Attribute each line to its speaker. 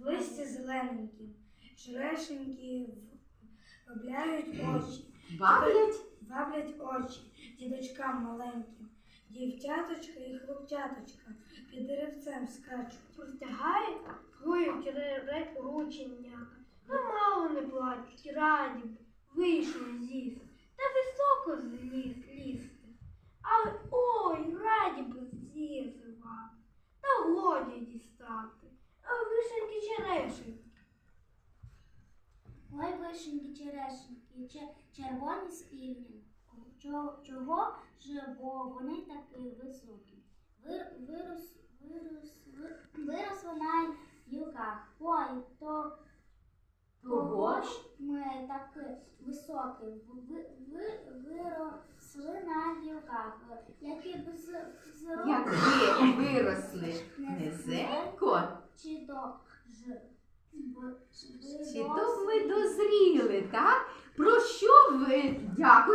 Speaker 1: в листі зелененькім, черешеньки вабляють очі. Ваблять очі дідочкам маленьким, дівчаточка і хлопчаточка під деревцем скачуть.
Speaker 2: Простягають, плюють рученнята, та мало не плачуть, раді б вийшли з'їсти, та високо лізти. Але ой, раді б з'їсти вам, та годі дістати, а вишеньки черешеньки.
Speaker 3: Ой, вишеньки, черешеньки, червоні з півдня. Чого ж, бо вони такі високі. Виросли на гілках. Ой, того ж ми такі високі. Виросли на гілках. Які б
Speaker 4: Якби виросли низенько,
Speaker 3: чи то
Speaker 4: чи то ми дозріли, так? Про що ви дякуєте?